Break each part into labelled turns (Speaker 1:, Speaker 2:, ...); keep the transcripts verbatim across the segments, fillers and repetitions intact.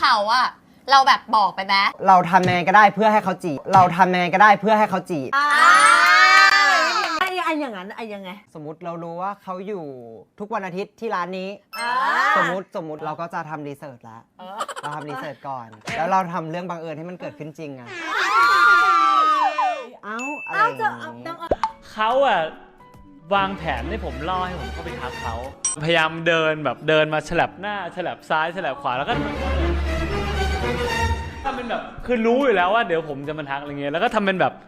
Speaker 1: เขาอะเราแบบบอกไปไหม
Speaker 2: เราทำยังไงก็ได้เพื่อให้เขาจีบเราทำยังไงก็ได้เพื่อให้เขาจีบ
Speaker 3: ไอ้ไอ้อย่างนั้นไอ้ยังไง
Speaker 2: สมมุติเรารู้ว่าเขาอยู่ทุกวันอาทิตย์ที่ร้านนี้สมมุติสมมุติเราก็จะทำรีเสิร์ชแล้วเราทำรีเสิร์ชก่อนแล้วเราทำเรื่องบังเอิญให้มันเกิดขึ้นจริงอะเอ้าอะไรอย่างนี้
Speaker 4: เขาอะวางแผนให้ผมล่อให้ผมเข้าไปทักเขาพยายามเดินแบบเดินมาฉลับหน้าฉลับซ้ายฉลับขวาแล้วก็ทำเป็นแบบคือรู้อยู่แล้วว่าเดี๋ยวผมจะมาทักอะไรเงี้ยแล้วก็ทำเป็นแบบ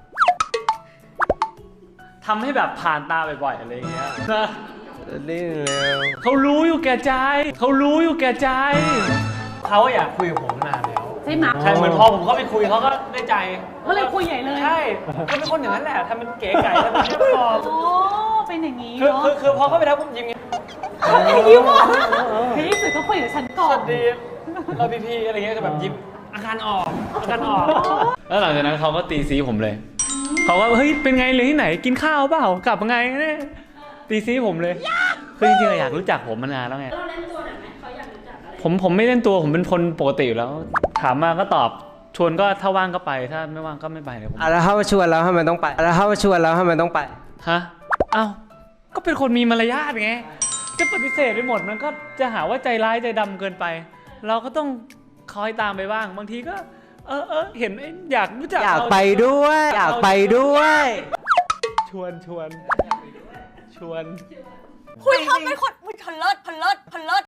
Speaker 4: ทำให้แบบผ่านตาบ่อยๆอะไรเงี้ยนะเขารู้อยู่แก่ใจเขารู้อยู่แก่ใจเขาอยากคุยกับผมนานแล้ว
Speaker 3: ใช่ไหม
Speaker 4: ใช่เหมือนพอผมเข้าไปคุยเขาก็ได้ใจ
Speaker 3: เขาเลยคุยใหญ่เลย
Speaker 4: ใช่เขาเป็นคนอย่างนั้นแหละทำเป็นเก๋ไก่ทำเป็นเรียบร้อย
Speaker 3: โอ้เป็นอย่างนี้
Speaker 4: คือ
Speaker 3: เนาะ
Speaker 4: คือคือพอเขาไปทักผมยิ้มไง
Speaker 3: ยิ้มอ่ะพี่สุดเขาคุยกับฉันก่อน
Speaker 4: สวัสดีเราพีพีอะไรเงี้ยแบบยิ้มอาการออกอาการออกแล้วหลังจากนั้นเขาก็ตีซีผมเลยเขาก็เฮ้ยเป็นไงเลยที่ไหนกินข้าวเปล่ากลับมาไงเนี่ยตีซีผมเลยคือจริงๆอยากรู้จักผมมานานแล้วไงเราเล่นตัวหน่อยไหมเขาอยากรู้จักอะไรผมผมไม่เล่นตัวผมเป็นคนปกติอยู่แล้วถามมาก็ตอบชวนก็ถ้าว่างก็ไปถ้าไม่ว่างก็ไม่ไปเลยผม
Speaker 2: แล้วถ้าชวนแล้วทำไมต้องไปแล้วถ้าชวนแล้วทำไมต้องไป
Speaker 4: ฮะอ้าวก็เป็นคนมีมารยาทไงจะปฏิเสธไปหมดมันก็จะหาว่าใจร้ายใจดำเกินไปเราก็ต้องคอยตามไปบ้างบางทีก็เออเออเห็นอยากรู้จัก
Speaker 2: อยากไปด้วยอยากไปด้วย
Speaker 4: ชวนชวนชวน
Speaker 1: คุยเขาเป็นคนพลเลิศพลเลิศพลเลิศ